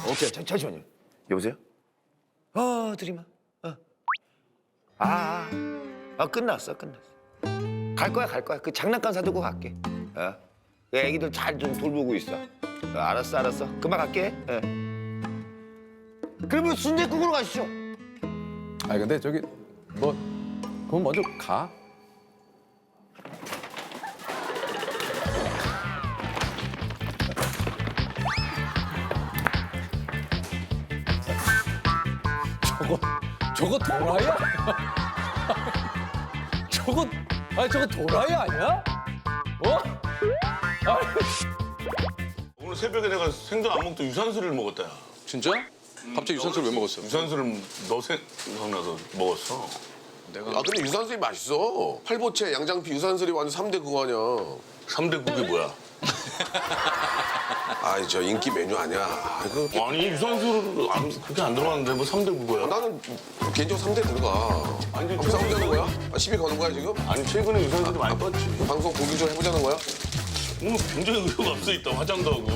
오케이, 잠시만요. 여보세요? 드림아. 끝났어. 갈 거야. 그 장난감 사두고 갈게. 그 애기들 잘 좀 돌보고 있어. 알았어. 금방 갈게. 그러면 순댓국으로 가시죠. 아니 근데 저기 뭐 그럼 먼저 가. 저거 도라이야? 저거 도라이 아니야? 어? 오늘 새벽에 내가 생전 안 먹던 유산슬을 먹었다. 야. 진짜? 갑자기 유산슬 왜 먹었어? 유산슬은 너 생각나서 먹었어. 아 근데 유산슬이 맛있어. 팔보채, 양장피, 유산슬이 완전 3대 그거 아니야. 3대 국이 뭐야? 아 저 인기 메뉴 아니야. 아니 유산슬 그렇게 안 들어갔는데 뭐 3대 국이야? 나는 개인적으로 3대 들어가. 아니 그럼 싸우자는 거야? 시비 거는 거야 지금? 아니 최근에 유산슬이 많이 떴지. 방송 보기 좀 해보자는 거야? 오늘 굉장히 의욕 앞서 있다. 화장도 하고.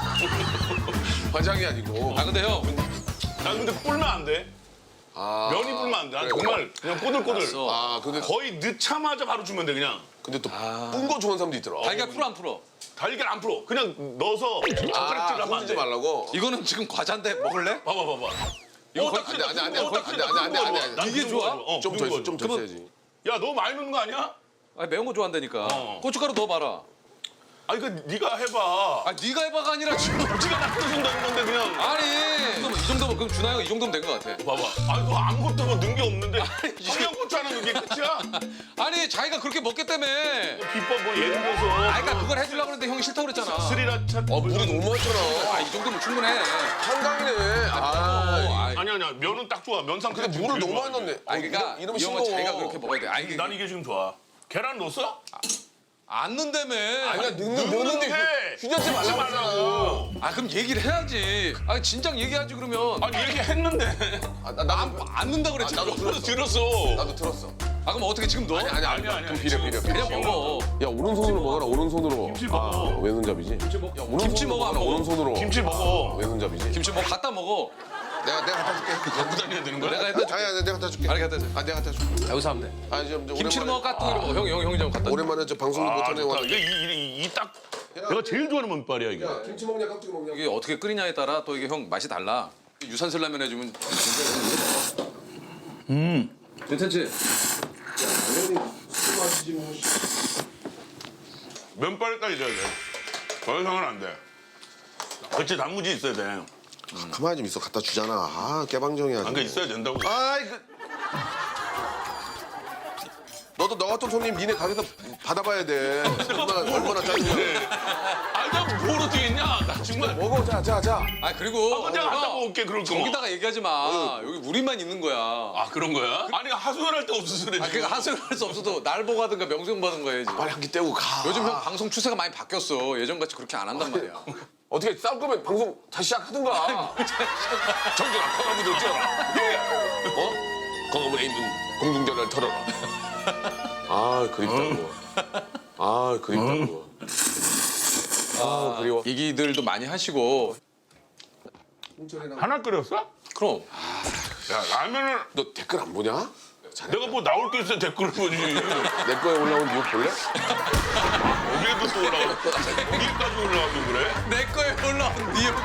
화장이 아니고. 아 근데 형 난 근데 불면 안 돼. 면이 불면 안 돼. 난 그래. 정말 그냥 꼬들꼬들. 알았어. 아 근데 거의 넣자마자 바로 주면 돼 그냥. 근데 또 뿐 거 좋아하는 사람도 있더라. 달걀 풀어 안 풀어? 달걀 안 풀어. 그냥 넣어서 젓가락질 하면 안 흔들지 돼. 말라고. 이거는 지금 과자인데 먹을래? 봐봐. 이거 딱 안 돼, 그래, 안 돼, 안 돼, 딱 그래, 안 돼, 딱 안 돼, 안 돼, 안 돼. 난 이게 그런 좋아? 거 좋아. 좀 더 그런 거 있어, 좀 더 그러면- 있어야지. 야, 너 많이 넣는 거 아니야? 아니 매운 거 좋아한다니까. 고춧가루 넣어봐라. 아니 그 네가 해봐. 아 네가 해봐가 아니라 지금. 네가 놔둬준다는 건데 그냥. 아니 이 정도면 그럼 준하 형이 이 정도면 된 것 같아. 봐봐. 아니 너 아무것도 뭐 넣은 게 없는데 청양고추 하나 넣은 게 끝이야? 아니 자기가 그렇게 먹겠다며. 비법 뭐 예를 들어서. 아 그러니까 그걸 해주려고 그랬는데 형이 싫다고 그랬잖아. 스리라차. 물이 너무 많잖아. 이 정도면 충분해. 한강이네. 아. 아니야. 면은 딱 좋아. 면 상태. 근데 물을 너무 많이 넣네. 아 그러니까 이러면 이 형은 싱거워. 자기가 그렇게 먹어야 돼. 아니 난 이게 지금 좋아. 계란 넣었어? 안 넣는다며. 아니야 넣는데 휴전지 말라고 하잖아. 아 그럼 얘기를 해야지. 아 진작 얘기하지 그러면. 아니 얘기했는데. 안 넣는다 그랬지. 나도 그럼. 들었어. 나도 들었어. 아 그럼 어떻게 지금 넣어? 아니야. 좀 비려. 그냥 먹어. 야 오른손으로 먹어라 오른손으로. 김치 먹어. 왼손잡이지. 김치 먹어 안 먹어? 오른손으로. 김치 먹어. 왼손잡이지. 김치 뭐 갖다 먹어. 내가 갖다 줄게. 갖고 다녀야 되는 거야? 내가 갖다 줄게. 아니야 내가 갖다 줄게. 아니 갖다 줘. 내가 갖다 줄게. 여기서 하면 돼. 아니 좀 김치를 오랜만에- 먹어 까뚱이로 먹어. 형이 좀 갖다 줘. 오랜만에 저 방송도 못하네 좋다. 와. 이게 딱 내가 제일 좋아하는 면발이야 이게. 김치 먹냐 깍두기 먹냐. 이게 어떻게 끓이냐에 따라 또 이게 형 맛이 달라. 유산슬 라면 해주면 괜찮지? 면발까지 돼야 돼. 더 이상은 안 돼. 그렇지 단무지 있어야 돼. 가만히 좀 있어 갖다 주잖아. 아 깨방정이야. 안 그 있어야 된다고. 아이 그. 너도 너 같은 손님 니네 가게에서 받아봐야 돼. 얼마나 짜증나. 아나뭘 어떻게 했냐? 나 정말. 먹어 자. 아 그리고 내가 갔다 형, 먹을게 그럴 거면. 거기다가 얘기하지 마. 여기 우리만 있는 거야. 아 그런 거야? 아니 하소연할 데 없어서 그래. 아 그러니까 하소연할 수 없어도 날 보고 하든가 명수 형 받은 거야지. 빨리 한 끼 떼고 가. 요즘 형 방송 추세가 많이 바뀌었어. 예전같이 그렇게 안 한단 말이야. 어떻게 싸울 거면 방송 다시 시작하든가. 정준아 건강부들 뛰어라. 예. 건강부에 있는 공중전화를 털어라. 아 그립다 그거. 아 그립다 그거. 아 그리워. 얘기들도 많이 하시고. 하나 끓였어? 그럼 야 라면을 너 댓글 안 보냐? 내가 뭐 나올 게 있어 댓글을 보지. 내 거에 올라온 뉴욕 볼래? 어디에도 또 올라와. 어디까지 올라와도 그래? 내 거에 올라온 니형.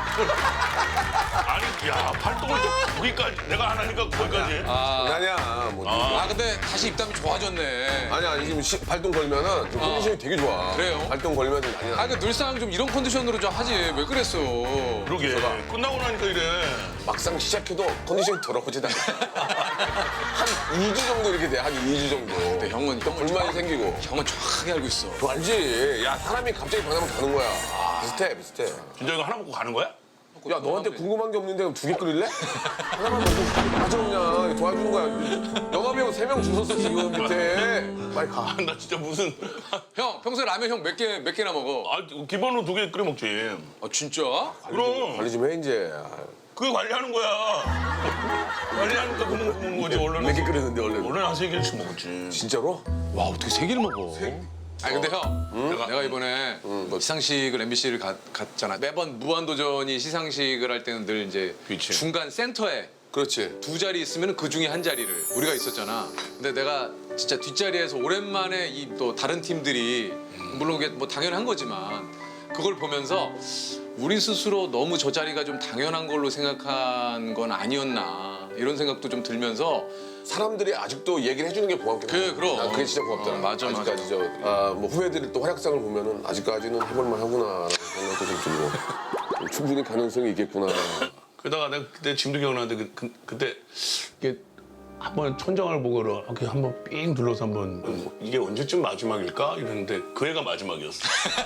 아니 야 활동을 또 거기까지 내가 안 하니까 거기까지 해? 아니야. 뭐. 아 근데 다시 입담이 좋아졌네. 아니야 지금 발동 걸면은 좀 컨디션이 되게 좋아. 그래요? 발동 걸면 난리 나. 아 그 늘상 좀 이런 컨디션으로 좀 하지 왜 그랬어? 그러게 끝나고 나니까 이래. 막상 시작해도 컨디션이 더러워지다. 한 2주 정도 이렇게 돼. 한 2주 정도. 근데 형은 불만이 생기고. 형은 정확하게 알고 있어. 너 알지? 야 사람이 갑자기 변하면 가는 거야. 비슷해. 진짜 이거 하나 먹고 가는 거야? 야 너한테 궁금한 게 없는데 그럼 2개 끓일래? 하나만 먹고 가자 그냥 도와주는 거야. 영화배우 3명 줄 섰어 지금 밑에. 빨리 가. 나 진짜 무슨 형 평소에 라면 형 몇 개나 먹어? 아 기본으로 2개 끓여 먹지. 아 진짜? 그럼 관리 좀 해 이제. 그게 관리하는 거야. 관리하니까 그 먹는 거지 원래는. 몇 개 끓였는데 원래. 원래는 한 3개씩 먹었지. 진짜로? 와 어떻게 3개를 먹어? 아니 근데 형, 내가 이번에 시상식을 MBC를 갔잖아. 매번 무한도전이 시상식을 할 때는 늘 이제 그치. 중간 센터에 그렇지. 두 자리 있으면 그 중에 한 자리를 우리가 있었잖아. 근데 내가 진짜 뒷자리에서 오랜만에 이 또 다른 팀들이 물론 그게 뭐 당연한 거지만 그걸 보면서 우리 스스로 너무 저 자리가 좀 당연한 걸로 생각한 건 아니었나 이런 생각도 좀 들면서 사람들이 아직도 얘기를 해주는 게 고맙겠다. 그럼. 난 그게 진짜 고맙더라. 맞아. 아직까지 뭐 후배들이 또 활약상을 보면은 아직까지는 해볼만 하구나라는 생각도 좀 들고 충분히 가능성이 있겠구나. 그러다가 내가 그때 지금도 기억나는데 그때 이게 한번 천장을 보고 이렇게 한번 삥 둘러서 한번 이게 언제쯤 마지막일까 이랬는데 그 해가 마지막이었어.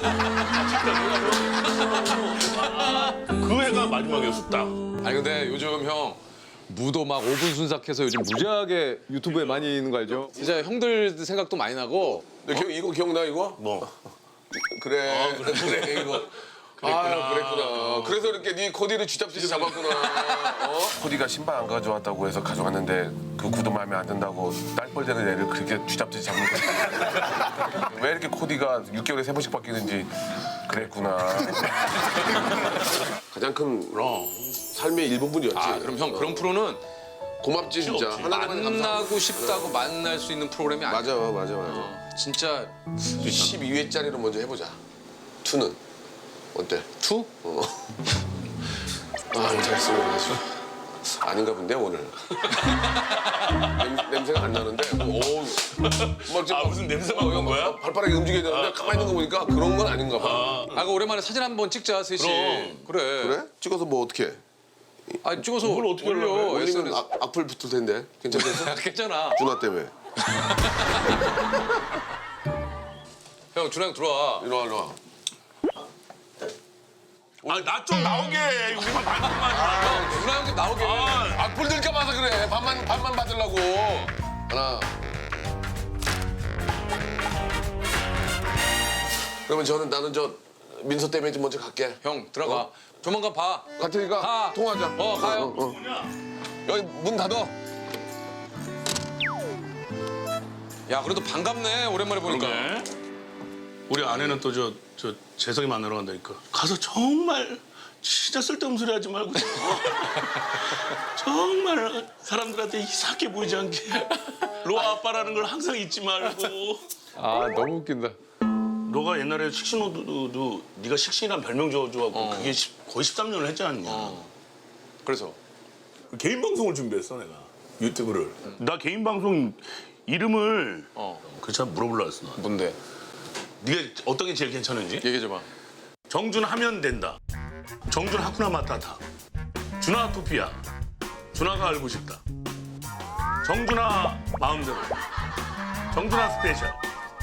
그 해가 마지막이었어 딱. 아니 근데 요즘 형 무도 막 5분 순삭해서 요즘 무지하게 유튜브에 많이 있는 거 알죠? 진짜 형들 생각도 많이 나고 근데 이거 기억나 이거? 뭐 그래. 그래 이거. 아 그랬구나. 그래서 이렇게 네 코디를 쥐잡듯이 잡았구나. 코디가 신발 안 가져왔다고 해서 가져갔는데 그 구두 마음에 안 든다고 딸뻘되는 애를 그렇게 쥐잡듯이 잡는 거야. 왜 이렇게 코디가 6개월에 3번씩 바뀌는지 그랬구나. 가장 큰 삶의 일부분이었지. 아 그럼 형 그런 프로는 고맙지 진짜. 없지. 하나님한테 감사하고. 만나고 싶다고 만날 수 있는 프로그램이 아니야. 맞아. 진짜 12회짜리로 먼저 해보자. 투는 어때? 투? 아, 잘했어. 아닌가 본데 오늘. 냄새가 안 나는데. 무슨 냄새 맡는 거야? 발빠르게 움직여야 되는데 가만히 있는 거 보니까 그런 건 아닌가 봐. 아, 그 오랜만에 사진 한번 찍자 셋이. 그래. 그래? 찍어서 뭐 어떻게? 아 찍어서 그걸 어떻게 올려. 올리면 SNS. 악플 붙을 텐데. 괜찮겠어? 괜찮아. 준하 때문에. 형 준하 형 들어와. 이리 와. 나 좀 나오게 우리만 반만. 형 준하 형도 나오게. 악플 들까 봐서 그래. 반만 받으려고. 하나. 그러면 나는 민서 때문에 좀 먼저 갈게. 형 들어가. 조만간 봐. 갈 테니까 가. 통화하자. 가요. 여기 문 닫아. 야 그래도 반갑네 오랜만에 보니까. 그러게. 우리 아내는 또 저 재석이 만나러 간다니까. 가서 정말 진짜 쓸데없는 소리 하지 말고 정말 사람들한테 이상하게 보이지 않게 로아 아빠라는 걸 항상 잊지 말고. 아 너무 웃긴다. 너가 옛날에 식신호도 네가 식신이란 별명 줘가지고 그게 거의 13년을 했지 않냐. 그래서 개인 방송을 준비했어 내가 유튜브를. 나 개인 방송 이름을 그래서 물어보려고 했어. 나. 뭔데? 네가 어떤 게 제일 괜찮은지? 얘기해줘봐. 정준 하면 된다. 정준 하쿠나 마타타. 준하 토피아. 준하가 알고 싶다. 정준하 마음대로. 정준하 스페셜.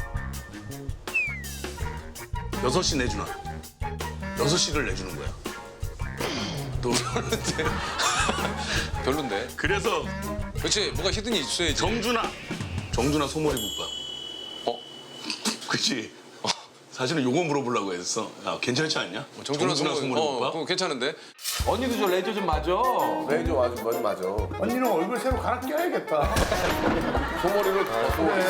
6시 내준하. 6시를 내주는 거야. 너 별론데. 별론데. 그래서 그렇지 뭐가 히든이 있어야지. 정준하 소머리 국밥. 그치? 사실은 요거 물어보려고 했어. 야, 괜찮지 않냐? 정준하 소머리 국밥. 그거 괜찮은데. 언니도 저 레저 좀 맞아. 레이저 맞아. 언니는 얼굴 새로 갈아 껴야겠다. 소머리를 다 소머리.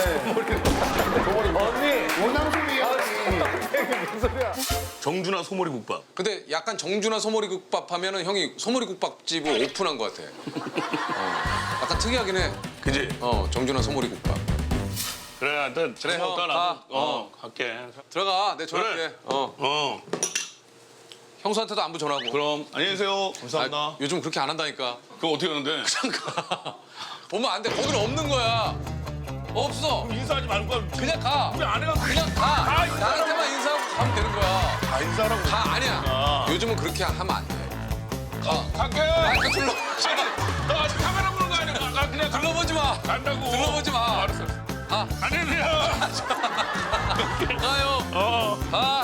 언니, 원앙송이야. 무슨 소리야? 정준하 소머리 국밥. 근데 약간 정준하 소머리국밥 하면은 형이 소머리국밥집을 오픈한 것 같아. 약간 특이하긴 해. 그지? 정준하 소머리국밥. 그래, 하여튼 그래, 형, 나도 가. 갈게. 들어가. 내 전화할게. 그래. 형수한테도 안부 전하고. 그럼 안녕히 계세요. 감사합니다. 아, 요즘 그렇게 안 한다니까. 그럼 어떻게 하는데? 보면 안 돼. 거기는 없는 거야. 없어. 인사하지 말고 그냥 가. 우리 아내가 그냥 가. 나한테만 인사하고 가면 되는 거야. 다 인사하라고. 가 아니야. 아. 요즘은 그렇게 하면 안 돼. 가. 갈게. 그 둘러. 너 아직 카메라 보는 거 아니야? 나 그냥 둘러보지 마. 간다고. 둘러보지 마. 알았어. 가. 안녕히 계세요. 가요. 가.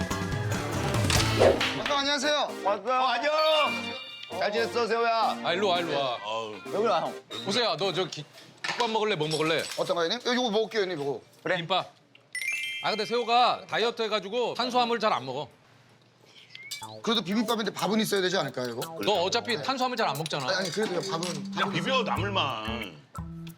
안녕하세요. 왔어요. 안녕. 잘 지냈어, 세호야? 아 일로 와 일로 와. 여기 와, 형. 보세요. 너 저 국밥 먹을래? 뭐 먹을래? 어떤 거, 형님? 이거 먹을게요, 형님, 이거. 김밥. 아 근데 세호가 다이어트 해가지고 탄수화물 잘 안 먹어. 그래도 비빔밥인데 밥은 있어야 되지 않을까요, 이거? 너 어차피 탄수화물 잘 안 먹잖아. 아니, 그래도 밥은. 그냥 비벼 나물만.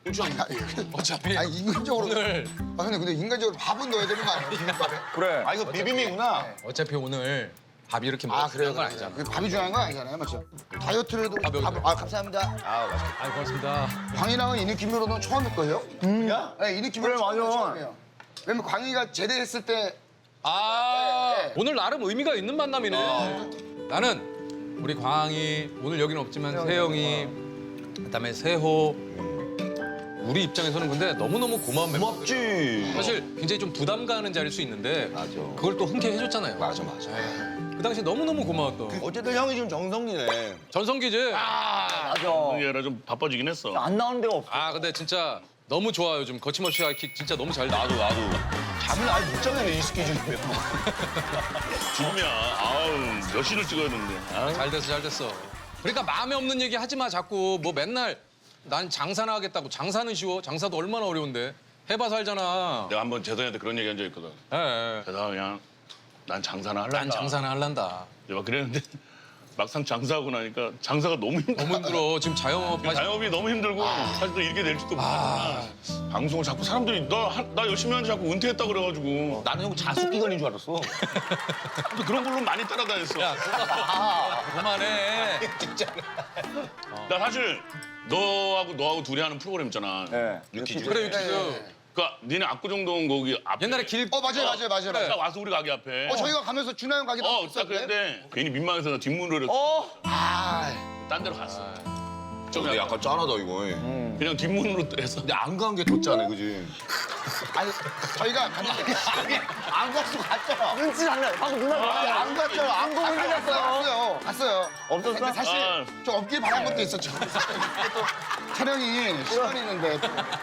어차피 아니 인간적으로. 오늘 아 근데 인간적으로 밥은 넣어야 되는 거 아니야? 비빔밥에? 그래. 아 이거 비빔이구나. 어차피 오늘 밥이 이렇게 아 먹는 그래요? 건 아니잖아. 그 밥이 중요한 건 아니잖아요, 맞죠? 다이어트를 해도 밥 여기 아 감사합니다. 아 맛있겠다. 아 고맙습니다. 광희랑은 이 느낌으로는 처음일 거예요? 야? 네, 이 느낌으로 그래, 맞아. 처음이에요. 왜냐면 광희가 제대했을 때 아 네, 네. 오늘 나름 의미가 있는 만남이네. 나는 우리 광희 오늘 여기는 없지만 세영이 그다음에 세호 우리 입장에서는 근데 너무너무 고마운 멤버. 고맙지. 사실 굉장히 좀 부담 가는 자리일 수 있는데 그걸 또 흔쾌히 해줬잖아요. 맞아. 그 당시 너무너무 고마웠던 어쨌든 형이 지금 정성기네. 전성기지. 얘라 좀 바빠지긴 했어. 안 나오는 데가 없어. 아 근데 진짜 너무 좋아 요즘 거침없이 하이킥 진짜 너무 잘 나도. 잠을 아예 못 자겠네 이 스케줄이면. 죽음이야. 아우 몇 시를 찍어야 되는데. 아우. 잘 됐어 잘 됐어. 그러니까 마음에 없는 얘기 하지 마 자꾸 뭐 맨날 난 장사나 하겠다고. 장사는 쉬워? 장사도 얼마나 어려운데. 해봐서 알잖아. 내가 한번 재성이한테 그런 얘기 한 적 있거든. 예. 재성아 그냥 난 장사나 할란다. 난 장사나 할란다. 내가 그랬는데 막상 장사하고 나니까 장사가 너무 힘들어. 너무 힘들어. 지금 자영업 하시. 자영업이 너무 힘들고 사실 또 이렇게 될지도 몰랐잖아. 방송을 자꾸 사람들이 나 열심히 하는데 자꾸 은퇴했다 그래가지고 나는 형 자숙 기간인 줄 알았어. 또 그런 걸로 많이 따라다녔어. 야 그만해. 나 사실 너하고 둘이 하는 프로그램 있잖아. 네. 유퀴즈. 그래 유키즈. 그러니까 니네 압구정동 거기 앞에 옛날에 길. 맞아요. 딱 와서 우리 가게 앞에. 저희가 가면서 준하 형 가기도 딱 그랬는데 괜히 민망해서 나 뒷문으로 아, 딴 데로 갔어. 근데 약간 짠하다 이거. 그냥 뒷문으로 해서 근데 안 간 게 더 짜네, 그지? 아니 저희가 갔는데 안 갔어 갔잖아. 눈치 장난. 방금 누나 안 갔잖아. 안 보고 있는 갔어. 갔어요. 없었어? 근데 사실 아. 좀 없길 바란 것도 있었죠. 또 촬영이 시간이 있는데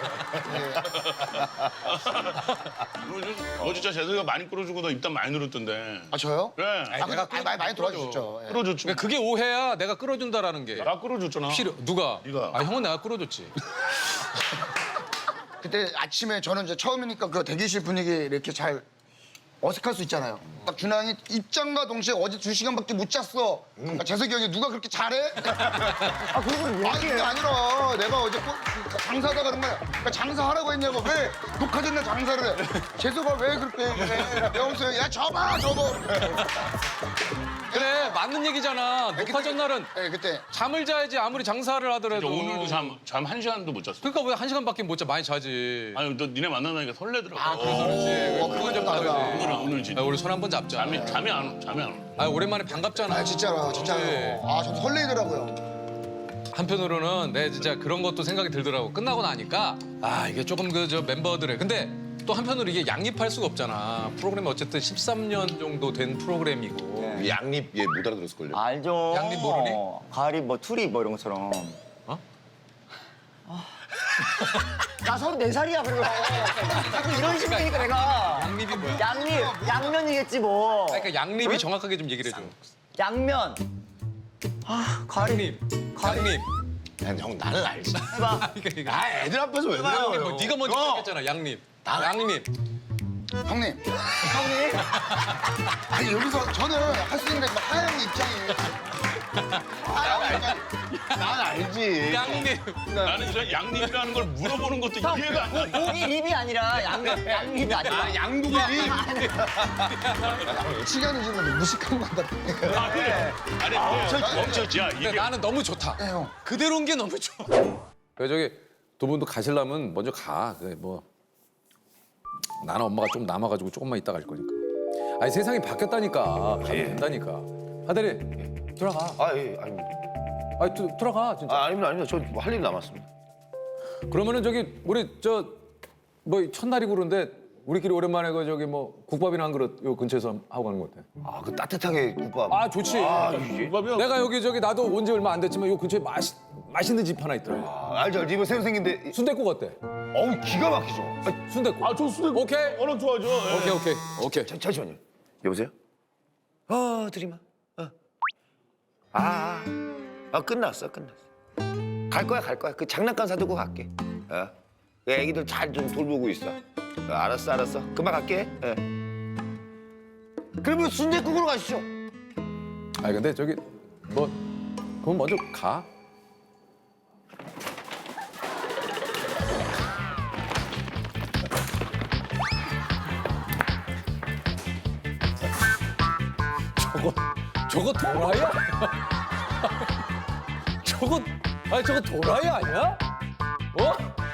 너 진짜 재석이가 많이 끌어주고 너 입담 많이 늘었던데. 아 저요? 그래. 내가 많이 도와주셨죠. 예. 끌어줬지. 그러니까 그게 오해야. 내가 끌어준다라는 게. 나 끌어줬잖아. 누가? 네가. 아 형은 내가 끌어줬지. 그때 아침에 저는 이제 처음이니까 그 대기실 분위기 이렇게 잘 어색할 수 있잖아요. 딱 준하 형이 입장과 동시에 어제 2시간밖에 못 잤어. 아, 재석이 형이 누가 그렇게 잘해? 아 그걸 왜 아니 그게 아니라 내가 어제 장사하다가 그런 거야. 그러니까 장사하라고 했냐고. 왜 녹화된 날 장사를 해? 재석아 왜 그렇게 해? 명수 형이 야 접어. 그래 맞는 얘기잖아. 녹화 전날은 네, 그때 잠을 자야지 아무리 장사를 하더라도. 오늘도 잠 1시간도 못 잤어. 그러니까 왜 1시간밖에 못 자? 많이 자지. 아니 너 니네 만나니까 설레더라고. 아 그래서 그렇지. 그건 좀 다르지. 오늘 진짜. 아, 우리 손 한 번 잡자. 잠이 안 와. 아 오랜만에 반갑잖아. 아 진짜로. 그치? 아 저도 설레더라고요. 한편으로는 내 진짜 그런 것도 생각이 들더라고. 끝나고 나니까 아 이게 조금 그 저 멤버들의 근데 또 한편으로 이게 양립할 수가 없잖아. 프로그램이 어쨌든 13년 정도 된 프로그램이고. 양립 얘 못 알아들었을걸요? 알죠. 양립 모르니? 가리 뭐 투리 뭐 이런 것처럼. 어? 나 34살이야 그리고. 자꾸 이런 식이니까 내가. 양립이 뭐야? 양면이겠지 뭐. 그러니까 양립이 정확하게 좀 얘기를 해줘. 양면. 아 가리. 양립. 형 나는 알지. 해봐. 이거. 아 애들 앞에서 왜 뭐, 그래요? 네가 먼저 시작했잖아. 양립. 양립. 형님. 형님. 아니 여기서 저는 할 수 있는데 하영 입장이. 난 알지. 양립. 나는 저 양립이라는 걸 물어보는 것도 이해가 안 가. 고기 립이 아니라 양립이 아니라. 양고기. 시간이 지금 무식한 것 같다. 아니 멈췄지. 야 근데 이게 나는 너무 좋다. 네, 형. 그대로인 게 너무 좋아. 그래 저기 두 분도 가시려면 먼저 가. 그래 뭐 나는 엄마가 좀 남아가지고 조금만 이따 갈 거니까. 아니 세상이 바뀌었다니까. 가면 된다니까. 하대리 들어가. 예, 아닙니다. 아니 들어가 진짜. 아닙니다. 저 할 일 남았습니다. 그러면은 저기 우리 저 뭐 첫날이고 그런데 우리끼리 오랜만에 그 저기 뭐 국밥이나 한 그릇 요 근처에서 하고 가는 거 어때? 아, 그 따뜻하게 국밥. 아 좋지. 국밥이야. 내가 여기 저기 나도 온 지 얼마 안 됐지만 요 근처에 맛있는 집 하나 있더라고. 알죠. 이번 새로 생긴데. 순댓국 어때? 어우, 기가 막히죠. 순댓국. 저 수도 오케이. 워낙 좋아하죠. 예. 오케이. 잠시만요. 여보세요? 드리마. 끝났어. 갈 거야. 그 장난감 사두고 갈게. 그 애기들 잘 좀 돌보고 있어. 알았어. 금방 갈게. 그러면 순댓국으로 가시죠. 아니 근데 저기 뭐 그럼 먼저 가. 저거 도라이야? 저거 도라이 아니야? 어?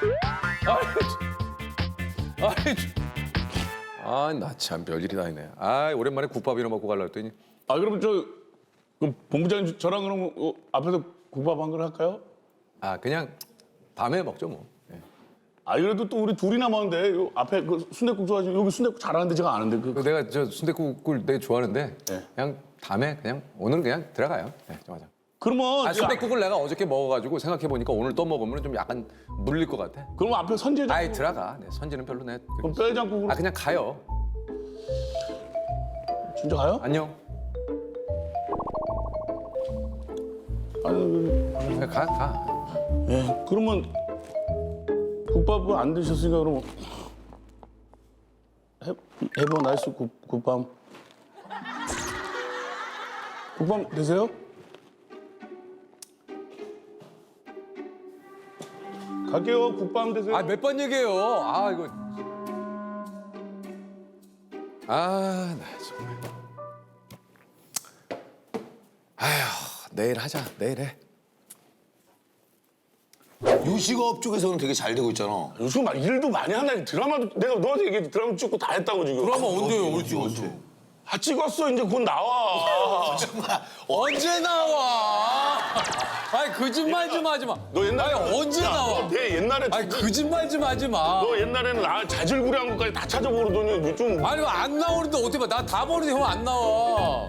나 참 별일이 다 있네. 오랜만에 국밥이나 먹고 가려고 했더니. 아 그럼 그 본부장님 저랑 그럼 앞에서 국밥 한 그릇 할까요? 그냥 다음에 먹죠 뭐. 예. 아 그래도 또 우리 둘이 남았는데 요 앞에 그 순댓국 좋아하시는 여기 순댓국 잘하는데 제가 아는데 내가 저 순댓국을 되게 좋아하는데 네. 그냥 다음에 오늘 그냥 들어가요. 네, 맞아. 그러면 순댓국을 내가 어저께 먹어가지고 생각해 보니까 오늘 또 먹으면 좀 약간 물릴 것 같아. 그럼 앞에 선제장 들어가. 네, 선지는 별로 내. 그럼 뼈해장국으로 그냥 가요. 진짜 가요? 안녕. 아니 그냥 가. 예 그러면 국밥을 안 드셨으니까 그럼 해보 나이스 국밥 국밥 드세요? 갈게요 국밥 드세요. 몇 번 얘기해요. 이거. 나 정말. 내일 하자. 내일 해. 요식업 쪽에서는 되게 잘 되고 있잖아. 요즘 막 일도 많이 한다니 드라마도 내가 너한테 얘기해 드라마 찍고 다 했다고 지금. 그러면 언제요? 언제? 찍었어 이제 곧 나와. 언제 나와? 거짓말 좀 하지 마. 너 옛날에 언제 나와? 내 옛날에 거짓말 좀 하지 마. 너 옛날에는 나 자질구레한 것까지 다 찾아보더니 요즘 안 나오는데 어떻게 봐? 나 다 보는데 형 안 나와.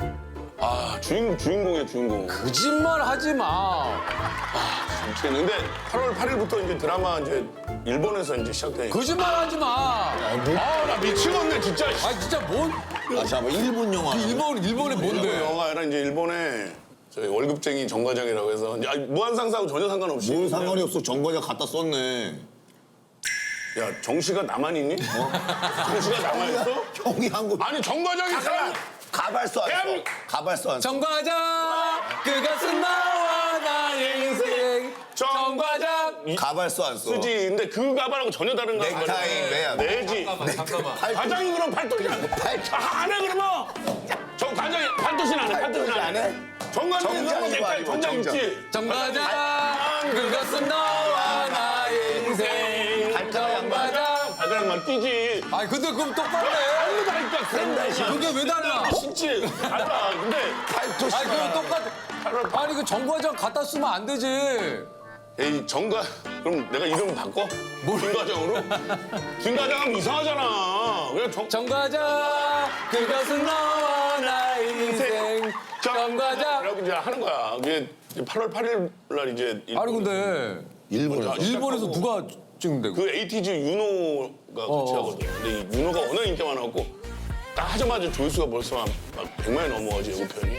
주인공이야 주인공. 거짓말 하지 마. 근데 8월 8일부터 이제 드라마 이제 일본에서 이제 시작되니까. 거짓말 하지 마. 나 미치겠네 진짜. 진짜 뭔? 잠깐만 일본 영화. 일본에 뭔데? 영화가 아니라 이제 일본에 저희 월급쟁이 정과장이라고 해서 무한상사하고 전혀 상관없이. 뭔 상관이 없어. 정관장 갖다 썼네. 야 정씨가 나만 있니? 정씨가 나만 있어? 형이 한 거. 아니 정과장이 사람. 가발써 안 써. 가발써 안 써. 정과장 그것은 나와 나의 인생. 정과장. 가발써 안 써. 쓰지. 근데 그 가발하고 전혀 다른 가발. 넥타이 매야. 내지. 잠깐만. 과장이 그럼 팔도시 안 해. 안 해 그러면. 정 과장이 팔도시는 안 해. 팔도시는 안 해. 정과장이 그러면 넥타이 정장 있지. 정과장 그것은 나와 나의 인생. 정과장. 발가락만 뛰지. 근데 그럼 똑바로 해. 다르다니까 그런다. 그게 왜 달라? 진짜 달라. 근데 팔도시. 그럼 똑같아. 그 정과장 갖다 쓰면 안 되지. 에이 정과 그럼 내가 이름 바꿔? 김과장으로? 김과장 하면 이상하잖아. 그냥 정과장 그것은 나와 나의 인생. 정과장. 그러고 이제 하는 거야. 이게 8월 8일 날 이제 근데 일본에서 누가 찍는데? 그 에이티즈 윤호가 같이 하거든. 근데 이 윤호가 워낙 인기가 많아갖고 딱 하자마자 조회수가 벌써 막 100만이 넘어가지 예고편이.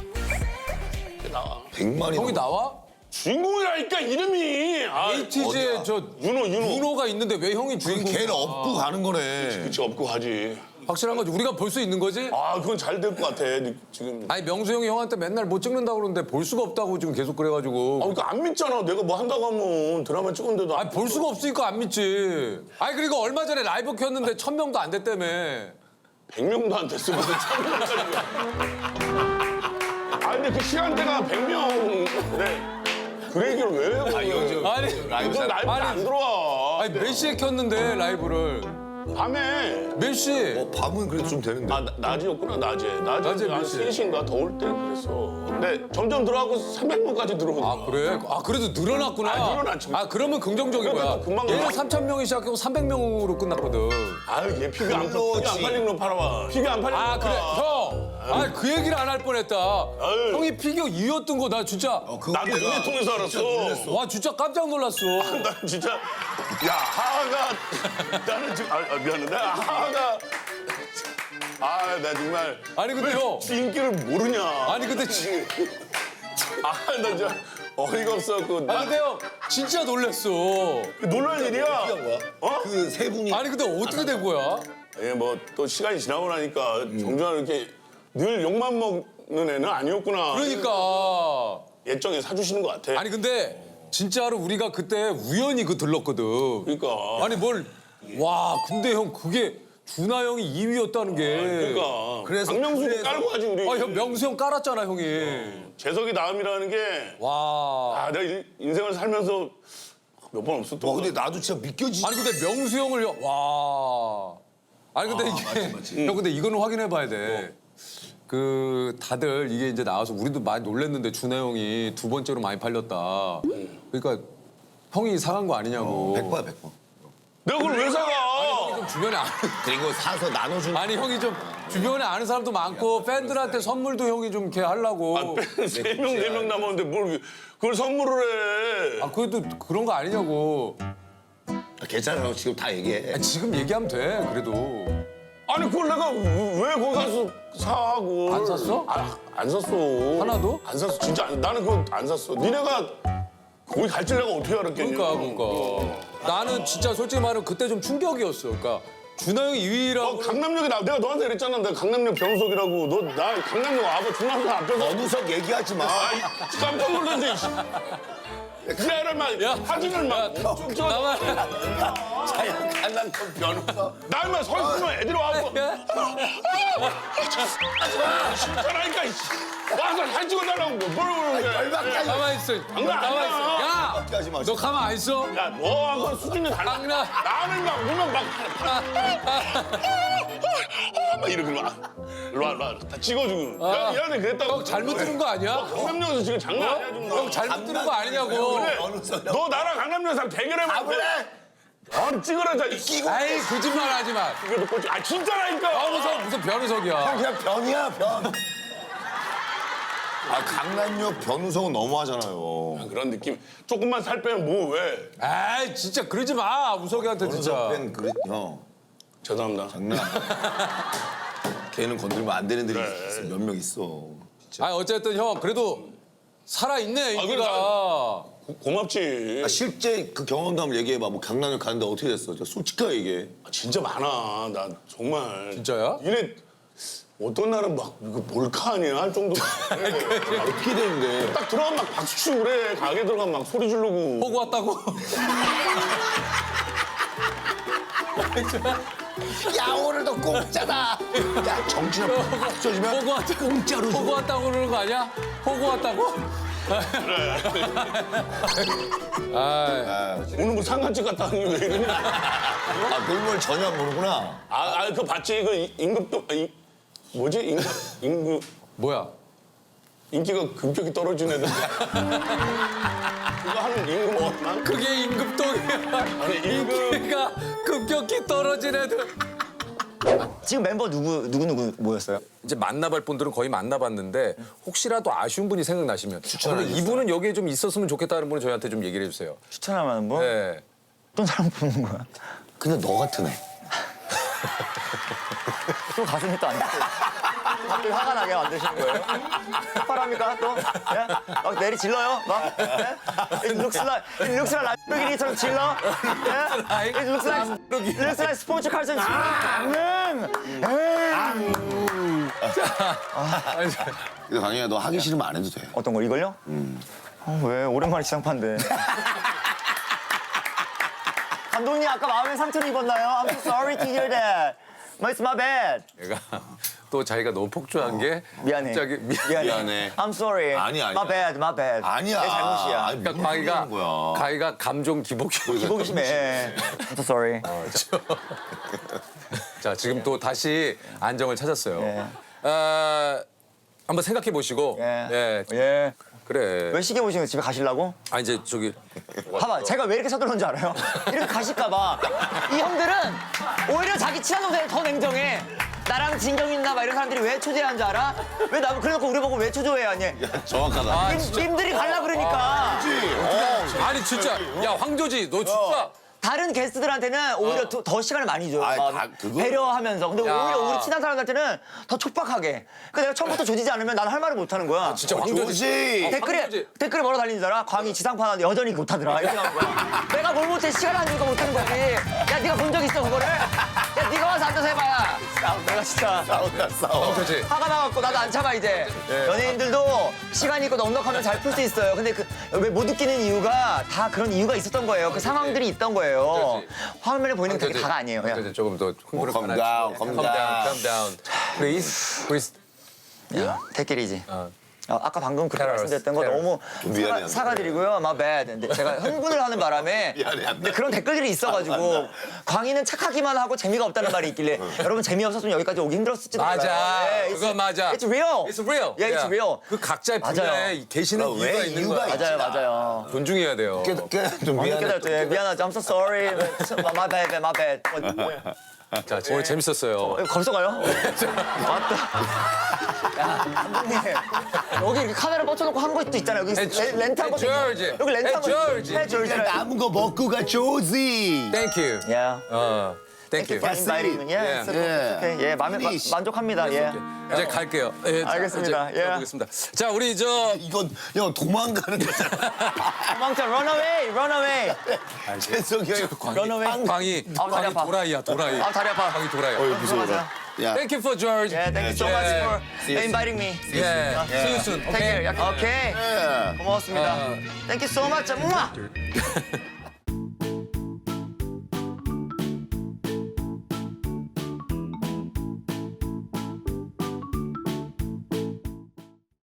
나와. 100만이. 형이 나와? 주인공이라니까 이름이. 에이티즈에 저 윤호가 있는데 왜 형이 주인공? 걔는 업고 가는 거네. 그치 업고 가지. 확실한 거지. 우리가 볼 수 있는 거지? 그건 잘 될 것 같아 지금. 명수 형이 형한테 맨날 못 찍는다고 그러는데 볼 수가 없다고 지금 계속 그래가지고. 그러니까 안 믿잖아. 내가 뭐 한다고 하면 드라마 찍었는데도. 볼 수가 없으니까 안 믿지. 그리고 얼마 전에 라이브 켰는데 1000명도 안 됐다며. 100명도 안 됐어. 무슨 1000명까지. 근데 그 시간대가 100명. 그 얘기를 왜 해? 요즘. 이건 라이브 안 들어와. 몇 시에 켰는데 라이브를? 밤에. 몇 시? 밤은 그래도 좀 되는데. 낮이었구나, 낮에. 낮에 몇 한 시? 3시인가 더울 때 그랬어. 근데 점점 들어가고 300명까지 들어오고. 그래? 그래도 늘어났구나. 늘어났죠. 그러면 긍정적인 거야. 그래도 금방 얘는 늘어나. 3,000명이 시작하고 300명으로 끝났거든. 얘 피규어 안 팔린 거 팔아봐. 피규어 안 팔린 거. 그래. 형! 그 얘기를 안 할 뻔했다. 형이 피규어 2였던 거 나 진짜. 나도 눈에 통해서 알았어. 와, 진짜 깜짝 놀랐어. 난 진짜 하하가 나는 지금 미안해. 하하가 나 정말 근데 형. 인기를 모르냐. 근데 나 진짜 어이가 없어갖고. 근데 형 진짜 놀랬어. 놀랄 일이야. 그 세 분이. 근데 어떻게 된 거야? 뭐 또 시간이 지나고 나니까 정준하 이렇게 늘 욕만 먹는 애는 아니었구나. 그러니까. 예정에 사주시는 것 같아. 근데 진짜로 우리가 그때 우연히 들렀거든. 그러니까. 근데 형 그게 준하 형이 2위였다는 게. 그러니까 박명수도 깔고 하지 우리. 형 명수 형 깔았잖아 형이. 재석이 다음이라는 게 와. 내가 인생을 살면서 몇 번 없었던 와 거. 근데 나도 진짜 믿겨지지. 아니 근데 명수 형을 와. 아니 근데 이게 형 근데 이거는 확인해 봐야 돼. 그 다들 이게 이제 나와서 우리도 많이 놀랬는데 준하 형이 두 번째로 많이 팔렸다. 그러니까 형이 사간 거 아니냐고. 100%야 100%. 내가 그걸 왜 사가? 좀 주변에 아는 그리고 사서 나눠주는. 아니 형이 좀 주변에 아는 사람도 많고 팬들한테 선물도 형이 좀 이렇게 하려고. 세 명 네 명 남았는데 뭘 그걸 선물을 해? 아 그래도 그런 거 아니냐고. 괜찮아 지금 다 얘기해. 아니, 지금 얘기하면 돼 그래도. 아니 그걸 내가 왜 거기 가서 사? 그걸. 안 샀어? 안 샀어. 하나도? 안 샀어. 진짜 나는 그거 안 샀어. 니네가 거기 갈 줄 내가 어떻게 알았겠냐? 그러니까. 나는 진짜 솔직히 말하면 그때 좀 충격이었어. 그러니까 준하 형이 2위라고. 강남역에 내가 너한테 그랬잖아. 내가 강남역 변우석이라고. 너 나 강남역 와봐. 중앙선 앞에서. 어느석 얘기하지 마. 깜짝 놀랐네. 지하를 막 야. 사진을 막 쭉 찍어. 나만. 자연 간단한 변호사. 나만 서 있으면 애들이 와서 진짜라니까. 와서 사진 찍어달라고 뭘 그러는 거야. 열받게 하지 마. 가만 있어. 장난 가만 있어. 아니야. 야, 하지 마. 너 가만 안 있어? 야, 너하고 수준이 달라. 장난. 나는 막 보면 막 이러고 막 일로 와, 일로 와. 다 찍어주고. 야, 얘한테 그랬다고. 형 잘못 들은 거 아니야? 강남역에서 지금 장난 아니야 지금. 형 잘못 들은 거 아니냐고. 그래. 너 나랑 강남역에서 대결해봐. 아 그래? 아니 찍으라 자. 끼고. 아이 거짓말 하지 마. 이거 듣고 아 진짜라니까. 무슨 변우석이야. 그냥 변이야 변. 아 강남역 변우석은 너무하잖아요. 그런 느낌. 조금만 살 빼면 뭐 왜? 에이 진짜 그러지 마 우석이한테 진짜. 변우석 팬 그래 형. 죄송합니다. 장난. 걔는 건들면 안 되는 들이 몇 명 있어. 아 어쨌든 형 그래도 살아 있네 그래, 인기가. 고맙지. 아, 실제 그 경험도 한번 얘기해봐. 뭐 강남역 가는데 어떻게 됐어? 저 솔직하게 얘기해. 진짜 많아. 나 정말. 진짜야? 이래 어떤 날은 막 이거 몰카 아니야 할 정도로. 어떻게 되는데? 딱 들어가면 막 박수 치고 그래. 가게 들어가면 막 소리 지르고. 보고 왔다고. 야 오늘도 공짜다. 야 정신없어. 없어지면 보고 왔다. 공짜로 줘. 보고 왔다고 그러는 거 아니야? 보고 왔다고? 아, 오늘 뭐 상가집 갔다 왔는데 왜 이러냐. 아 그걸 전혀 안 모르구나. 그거 봤지? 그 임금도 뭐지? 임금 뭐야? 인기가 급격히 떨어진 애들. 그거 하는 임금만. 그게 임급동이야. 아니 임금. 인기가 급격히 떨어진 애들. 지금 멤버 누구 모였어요? 이제 만나볼 분들은 거의 만나봤는데 혹시라도 아쉬운 분이 생각나시면 그러면 이분은 여기에 좀 있었으면 좋겠다는 분은 저희한테 좀 얘기를 해주세요. 추천할 만한 분? 네. 어떤 사람 보는 거야? 근데 너 같은 애. 또 가슴이 또 안 돼. 갑자기 화가 나게 만드시는 거예요? 폭발합니까 또? 예? 막 내리 질러요? 막? 예? It looks like 라이브기리처럼 질러? 예? It looks like 스포츠 칼처럼 근데 강희야 너 하기 싫으면 안 해도 돼. 어떤 걸 이걸요? 왜? 오랜만에 지상파인데. 감독님 아까 마음에 상처를 입었나요? I'm so sorry to hear that. It's my bad. 얘가 또 자기가 너무 폭주한 게 미안해. 갑자기 미안해. I'm sorry. 아니야. My bad, my bad. 아니야. 내 잘못이야. 아니, 그러니까 무슨 소리 하는 거야. 가희가 감정 기복이 기복이 심해. I'm so sorry. 자 지금 또 다시 안정을 찾았어요. 예. 한번 생각해 보시고. 예. 예. 예. 그래. 왜 시계 보시면 집에 가시려고? 아 이제 저기 봐봐, 제가 왜 이렇게 서둘렀는지 알아요? 이렇게 가실까봐. 이 형들은 오히려 자기 친한 동생을 더 냉정해. 나랑 진경이 있나 봐 이런 사람들이 왜 초조해하는 줄 알아? 왜 나 그래놓고 우리 보고 왜 초조해하니? 정확하다. 님들이 갈라 그러니까. 아니 진짜 야 황조지 너 진짜 다른 게스트들한테는 오히려 더 시간을 많이 줘요. 아이, 막 그거- 배려하면서. 근데 야. 오히려 우리 친한 사람들한테는 더 촉박하게. 그러니까 내가 처음부터 조지지 않으면 나는 할 말을 못 하는 거야. 진짜 황조지. 조지. 댓글에 뭐라 달리는 줄 알아? 광희 지상파 하는데 여전히 못하더라. 이렇게 나온 거야. 내가 뭘 못해? 시간 안 주니까 못하는 거지. 야, 네가 본 적 있어, 그거를? 야, 네가 와서 앉아서 해봐야. 내가 진짜 싸워. 그렇지. 화가 나갖고 나도 안 참아 이제. 연예인들도 시간이 있고 넉넉하면 잘 풀 수 있어요. 근데 그 왜 못 웃기는 이유가 다 그런 이유가 있었던 거예요. 그 상황들이 있던 거예요. 화면에 보이는 게 되게 다가 아니에요. 그냥. 그래서 조금 더 흥분을 calm down, calm down. calm down. Please. take it easy. 아까 방금 그렇게 Terrorist, 말씀드렸던 거 terrorist. 너무 미안해. 사과드리고요. My bad. 근데 제가 흥분을 하는 바람에 근데 그런 댓글들이 있어가지고 광희는 착하기만 하고 재미가 없다는 말이 있길래 여러분 재미없었으면 여기까지 오기 힘들었을지도 몰라요. 맞아. 네, 그거 맞아. It's real. It's real. Yeah, it's real. 그 각자의 맞아요. 분야에 계시는 왜 이유가 있는 이유가 거야. 있지. 맞아요. 존중해야 돼요. 좀 미안해. 미안하죠. 미안하죠. I'm so sorry. My bad, my bad. 자, 오늘 재밌었어요. 벌써 가요? 맞다. 야, 감독님. 여기 이렇게 카메라 뻗쳐놓고 한 것도 있잖아요. 여기 렌트한 것도 있고. 조지. 여기 렌트한 거 조지. 해, 조지. 남은 거 먹고 가, 조지. Thank you. Yeah. Thank you. for inviting me. Yeah. 예. 예, 만족합니다. 예. 이제 갈게요. 예, 자, 알겠습니다. 이제 예. 가보겠습니다. 자, 우리 이건 형 도망가는 거잖아. 도망쳐, run away, run away. 재석이 형이 Run away. 광희 다리 광희 아파. 도라이야, 도라이. 아, 다리 아파. 광희 도라이. 무서워라. 야. Thank you for George. Yeah, thank you so much for inviting me. Yeah. See you soon. Take care. Okay. Okay. 예. 고마웠습니다. Thank you so much.